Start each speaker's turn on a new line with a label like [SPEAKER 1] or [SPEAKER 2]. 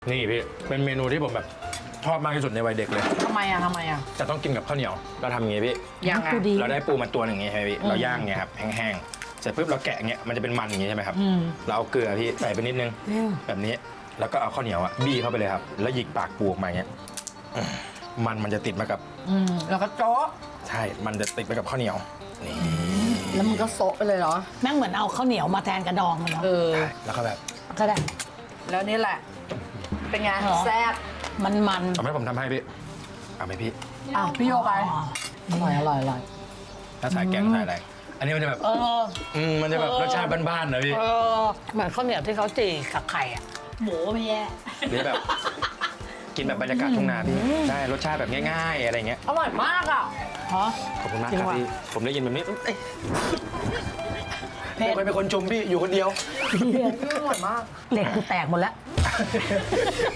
[SPEAKER 1] นี่พี่เป็นเมนูที่ผมแบบชอบมากที่สุดในวัยเด็กเลย
[SPEAKER 2] ทำไมอ่ะ
[SPEAKER 1] จะต้องกินกับข้าวเหนียวเราทำอย่างงี้พี่
[SPEAKER 2] ยังไง
[SPEAKER 1] เราได้ปูมาตัวหนึ่งอย่างงี้ใช่ไหมพี่เราย่างเงี้ยครับแห้งๆเสร็จปุ๊บเราแกะเงี้ยมันจะเป็นมันอย่างงี้ใช่ไหมครับเราเอาเกลือพี่ใส่ไปนิดนึงแบบนี้แล้วก็เอาข้าวเหนียวอะบี้เข้าไปเลยครับแล้วหยิกปากปูออกมาอย่างเงี้ยมันจะติดมากับ
[SPEAKER 2] แล้วก็โจ๊ะ
[SPEAKER 1] ใช่มันจะติดไปกับข้าวเหนียวนี่
[SPEAKER 2] แล้วมันก็โซะไปเลยเหรอ
[SPEAKER 3] แม่งเหมือนเอาข้าวเหนียวมาแทนกระดองมันเนาะ
[SPEAKER 1] ใช่แล้วก็แบบ
[SPEAKER 3] ก็ได้
[SPEAKER 2] แล้วนี่แหละ เป็นไง
[SPEAKER 3] เหรอ
[SPEAKER 2] แซ่บ
[SPEAKER 3] มัน
[SPEAKER 1] เอาไหมผมทำให้พี่เอาไหมพี่
[SPEAKER 2] อ่ะพี่โยไป
[SPEAKER 3] อร่อย
[SPEAKER 1] ถ้าใส่แกงใส่อะไรอันนี้มันจะแบบ มันจะแบบรสชาติบ้านๆนะพี่
[SPEAKER 3] เหมือนข้าวเหนียวที่เขาจี่กับไข่อ่ะหมูไม่แย่
[SPEAKER 1] หรือแบบกินแบบบรรยากาศทุ่งนาพี่ใช่รสชาติแบบง่ายๆอะไรเงี้ย
[SPEAKER 2] อร่อยมากอ่ะ
[SPEAKER 3] ฮะ
[SPEAKER 1] ขอบคุณมาก
[SPEAKER 3] จริ
[SPEAKER 1] ค
[SPEAKER 3] ง
[SPEAKER 1] รับ
[SPEAKER 3] ว่ะ
[SPEAKER 1] พี่ผมได้ยินแบบนี้เอ้ย
[SPEAKER 3] เผ็ด
[SPEAKER 1] ไม่เป็นคนชมพี่อยู่คนเดียว
[SPEAKER 2] อร่อยมาก
[SPEAKER 3] เหล็กกูแตกหมดแล้ว